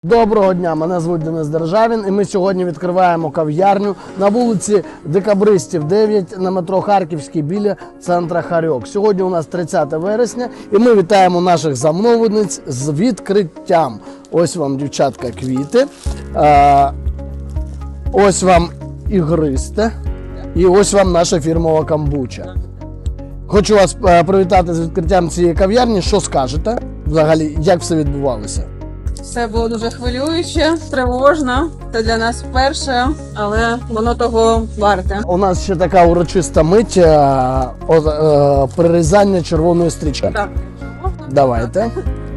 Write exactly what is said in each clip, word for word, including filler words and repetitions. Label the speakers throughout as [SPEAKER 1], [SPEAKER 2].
[SPEAKER 1] Доброго дня, мене звуть Денис Державін і ми сьогодні відкриваємо кав'ярню на вулиці Декабристів дев'ять на метро Харківський біля центра Харьок. Сьогодні у нас тридцяте вересня і ми вітаємо наших замовниць з відкриттям. Ось вам, дівчатка, квіти, а, ось вам ігристе і ось вам наша фірмова камбуча. Хочу вас привітати з відкриттям цієї кав'ярні. Що скажете взагалі, як все відбувалося?
[SPEAKER 2] Все було дуже хвилююче, тривожно. Це для нас вперше, але воно того варте.
[SPEAKER 1] У нас ще така урочиста мить е, о, е, прирізання червоної стрічки.
[SPEAKER 2] Так.
[SPEAKER 1] Давайте.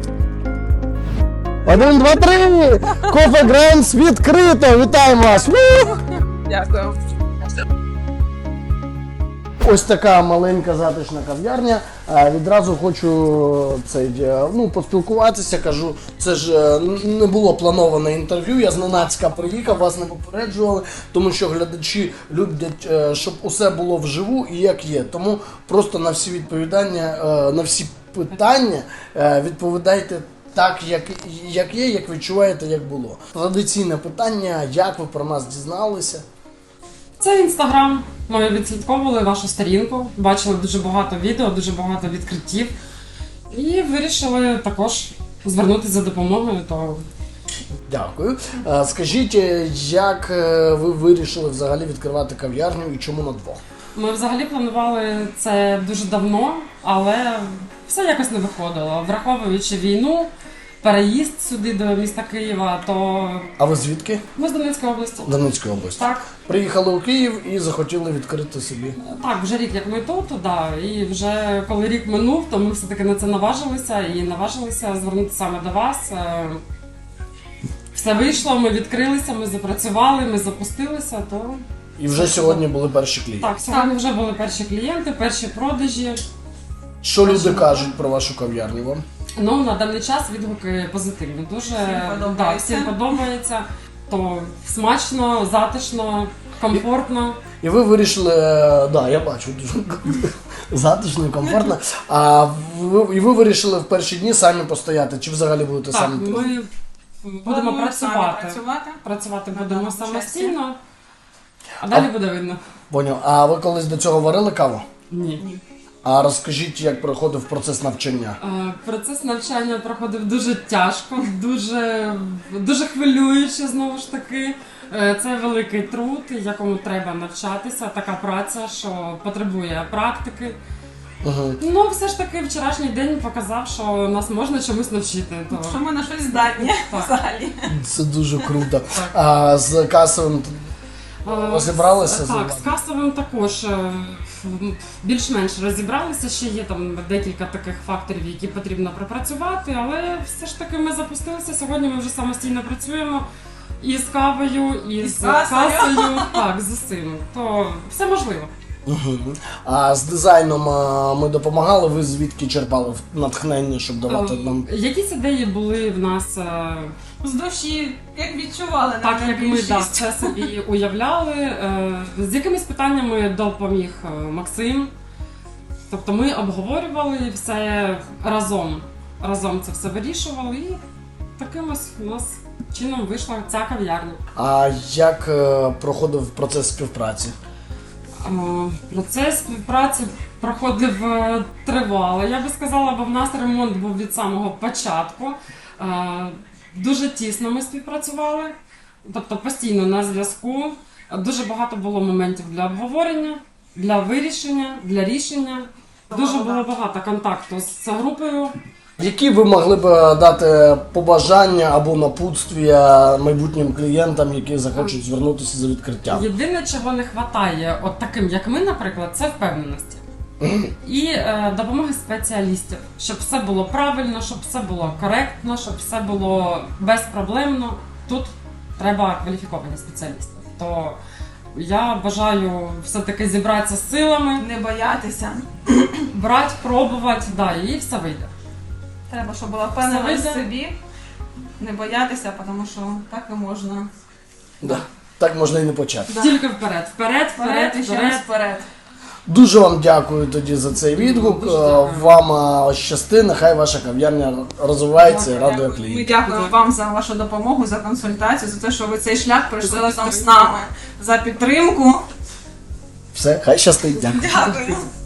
[SPEAKER 1] Один, два, три! Кофе Грейнс відкрито! Вітаємо вас! Ву!
[SPEAKER 2] Дякую.
[SPEAKER 1] Ось така маленька затишна кав'ярня. Е, Відразу хочу цей, е, ну, поспілкуватися. Кажу, це ж е, не було плановане інтерв'ю. Я зненацька приїхав, вас не попереджували, тому що глядачі люблять, е, щоб усе було вживу і як є. Тому просто на всі відповідання, е, на всі питання е, відповідайте так, як, як є, як відчуваєте, як було. Традиційне питання: як ви про нас дізналися?
[SPEAKER 3] Це інстаграм. Ми відслідковували вашу сторінку, бачили дуже багато відео, дуже багато відкриттів. І вирішили також звернутися за допомогою. То...
[SPEAKER 1] Дякую. А, Скажіть, як е, ви вирішили взагалі відкривати кав'ярню і чому на двох?
[SPEAKER 3] Ми взагалі планували це дуже давно, але все якось не виходило. Враховуючи війну, переїзд сюди до міста Києва, то
[SPEAKER 1] А ви звідки?
[SPEAKER 3] ми з Донецької області.
[SPEAKER 1] Донецької області.
[SPEAKER 3] Так.
[SPEAKER 1] Приїхали у Київ і захотіли відкрити собі.
[SPEAKER 3] Так, вже рік як ми тут, да, і вже коли рік минув, то ми все-таки на це наважилися і наважилися звернутися саме до вас. Е, Все вийшло, ми відкрилися, ми запрацювали, ми запустилися, то...
[SPEAKER 1] І вже сьогодні були перші клієнти.
[SPEAKER 3] Так, сьогодні вже були перші клієнти, перші продажі.
[SPEAKER 1] Що люди кажуть про вашу кав'ярню вам?
[SPEAKER 3] Ну, на даний час відгуки позитивні. Дуже
[SPEAKER 2] Всім подобається.
[SPEAKER 3] да, всім подобається. То смачно, затишно, комфортно.
[SPEAKER 1] І ви вирішили, е, да, я бачу, дуже затишно і комфортно. А ви, і ви вирішили в перші дні самі постояти, чи взагалі будете
[SPEAKER 3] Так,
[SPEAKER 1] самі?
[SPEAKER 3] ми будемо
[SPEAKER 2] Плануємо самі
[SPEAKER 3] працювати.
[SPEAKER 2] працювати.
[SPEAKER 3] Працювати
[SPEAKER 2] На
[SPEAKER 3] будемо
[SPEAKER 2] даному
[SPEAKER 3] самостійно, а далі
[SPEAKER 1] А-
[SPEAKER 3] буде видно.
[SPEAKER 1] Поняв. А ви колись до цього варили каву?
[SPEAKER 3] Ні.
[SPEAKER 1] А розкажіть, як проходив процес навчання?
[SPEAKER 3] Е, Процес навчання проходив дуже тяжко, дуже, дуже хвилююче, знову ж таки. Е, Це великий труд, якому треба навчатися, така праця, що потребує практики.
[SPEAKER 1] Угу.
[SPEAKER 3] Ну, все ж таки, вчорашній день показав, що нас можна чомусь навчити. То...
[SPEAKER 2] Що ми на щось здатні
[SPEAKER 3] Так.
[SPEAKER 2] взагалі.
[SPEAKER 1] Це дуже круто. А з касовим
[SPEAKER 3] Е,
[SPEAKER 1] розібралися?
[SPEAKER 3] Так,
[SPEAKER 1] з-
[SPEAKER 3] з касовим також е, більш-менш розібралися. Ще є там декілька таких факторів, які потрібно пропрацювати, але все ж таки ми запустилися. Сьогодні ми вже самостійно працюємо і з кавою, і,
[SPEAKER 2] І
[SPEAKER 3] з
[SPEAKER 2] з касою.
[SPEAKER 3] касою, так, з усім. То все можливо.
[SPEAKER 1] Мгм. А з дизайном а, ми допомагали, ви звідки черпали натхнення, щоб давати
[SPEAKER 3] Е,
[SPEAKER 1] нам?
[SPEAKER 3] Якісь ідеї були в нас е,
[SPEAKER 2] З душі, як відчували,
[SPEAKER 3] так, як ми
[SPEAKER 2] більшість.
[SPEAKER 3] да, це собі уявляли. Е, З якимись питаннями допоміг е, Максим. Тобто ми обговорювали все разом. Разом це все вирішували і таким ось у нас чином вийшла ця кав'ярня.
[SPEAKER 1] А як е, проходив процес співпраці?
[SPEAKER 3] Е, Процес співпраці проходив е, тривало. Я би сказала, бо в нас ремонт був від самого початку. Е, Дуже тісно ми співпрацювали, тобто постійно на зв'язку. Дуже багато було моментів для обговорення, для вирішення, для рішення. Дуже було багато контакту з групою.
[SPEAKER 1] Які ви могли б е, дати побажання або напутствия майбутнім клієнтам, які захочуть звернутися за відкриттям?
[SPEAKER 3] Єдине, чого не вистачає, от таким як ми, наприклад, це впевненості. І е, допомоги спеціалістів, щоб все було правильно, щоб все було коректно, щоб все було безпроблемно. Тут треба кваліфіковані спеціалісти. То я бажаю все-таки зібратися з силами,
[SPEAKER 2] Не боятися.
[SPEAKER 3] брати, пробувати, да, і все вийде.
[SPEAKER 2] Треба, щоб була впевненість
[SPEAKER 3] Все
[SPEAKER 2] в
[SPEAKER 3] вийде.
[SPEAKER 2] собі. Не боятися, тому що так і можна.
[SPEAKER 1] Да. Так можна і не почати.
[SPEAKER 2] Да.
[SPEAKER 3] Тільки вперед, вперед, вперед,
[SPEAKER 2] Вперед і ще раз
[SPEAKER 3] вперед.
[SPEAKER 2] вперед.
[SPEAKER 1] Дуже вам дякую тоді за цей відгук. Е, Вам е, щасти, нехай ваша кав'ярня розвивається і радує
[SPEAKER 2] Ми
[SPEAKER 1] клієнтів.
[SPEAKER 2] дякуємо вам за вашу допомогу, за консультацію, за те, що ви цей шлях пройшли разом з нами, за підтримку.
[SPEAKER 1] Все, хай щастить. Дякую.
[SPEAKER 2] Дякую.